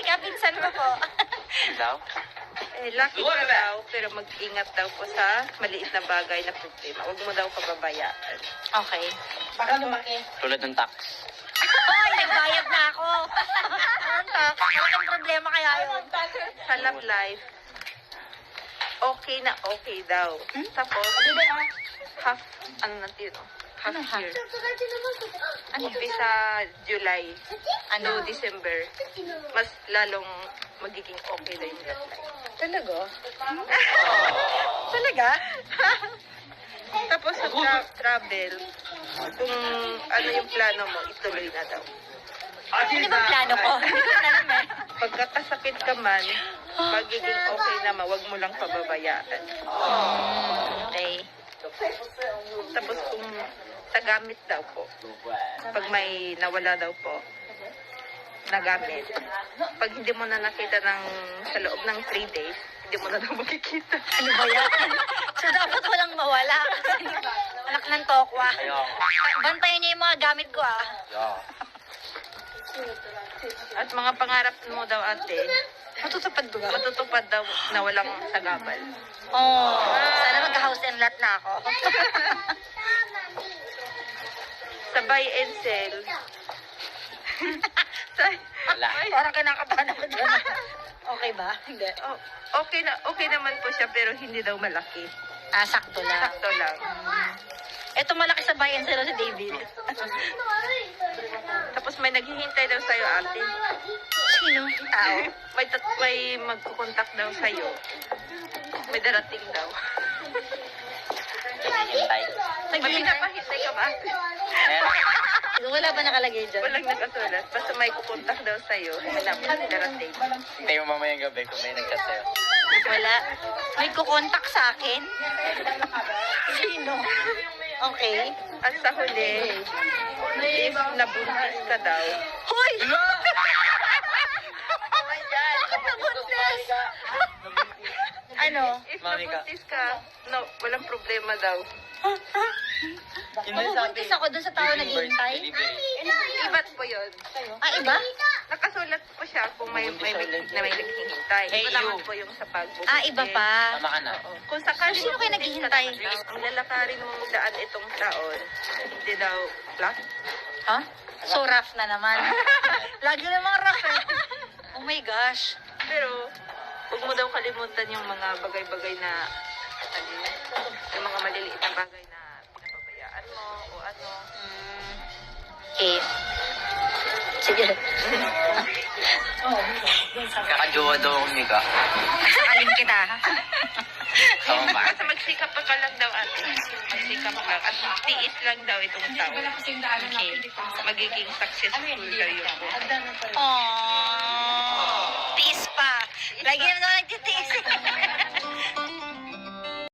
Mika, pinsan ko po. Daw? Lucky ka daw, pero mag-ingat daw po sa maliit na bagay na problema. Huwag mo daw pababayaan. Okay. Baka lumaki. Tulad ng tax. Hoy, nagbayad na ako. Anong tax? Malaking problema kaya yun. Sa love life, okay na okay daw. Tapos, half, ano natin yun, half Anong half? year. Ano yun? Umpisa July, Ano? December, mas lalong magiging okay na yung love life. Talaga? Talaga? Tapos sa travel, kung ano yung plano mo, ituloy na daw. Ano ba plano ko? Hindi ko na alam eh. Pagkakasakit ka man, magiging okay naman, wag mo lang pababayaan. Okay. Tapos kung sa gamit daw po, pag may nawala daw po, na gamit, pag hindi mo na nakita sa loob ng 3 days, hindi mo na daw makikita. Ano ba yan? So, dapat walang mawala. Anak ng tokwa. Bantayan niyo yung mga gamit ko ah. At mga pangarap mo daw ate, Matutupad ba? matutupad daw na walang sagabal. Oh, sana mag-house and lot na ako. Sa buy and sell, Wala. Parang kinakabahan ako dyan. Okay ba? Hindi. okay naman po siya pero hindi daw malaki. Ah, sakto lang. Sakto lang. Ito malaki sa bayan sila si David. Tapos may naghihintay daw sa'yo ate. Sino? Tao. May magkukontak daw sa'yo. May darating daw. Hintay. May pinapahintay ka ba ate? Wala ba nakalagay dyan? Walang nakasulat. Basta may kukontak daw sa'yo. Hanap darating. Hintay mo mamayang gabi kung may nag-chat sa'yo. Wala. May kukontak sa akin? Sino? Okay. At sa huli, if nabuntis ka daw, Hoy! nabuntis! Ano? If Mami ka. nabuntis ka, no, walang problema daw. Mabubuntis ako dun sa tao naghihintay? Iba't po yun. Ah, iba? Nakasulat po siya kung may naghihintay. Hey, Iba naman you. po yung sa pagbubuntis. Ah, iba pa. Tama ka na. Kung sakali Sino kayo naghihintay? Ang lalakarin mong daan itong taon, hindi daw black. Ha? So rough na naman. Lagi namang rough eh. Oh my gosh. Pero, huwag mo daw kalimutan yung mga bagay-bagay na, ano yun, yung mga maliliit na bagay na pinapabayaan mo o ano. Okay. Sige. Kakajowa daw akong Mika. Sakalin kita. Tama ba? Basta magsikap ka lang daw ate. Magsikap lang. At tiis lang daw itong taon. Okay. Magiging successful kayo po. Aww.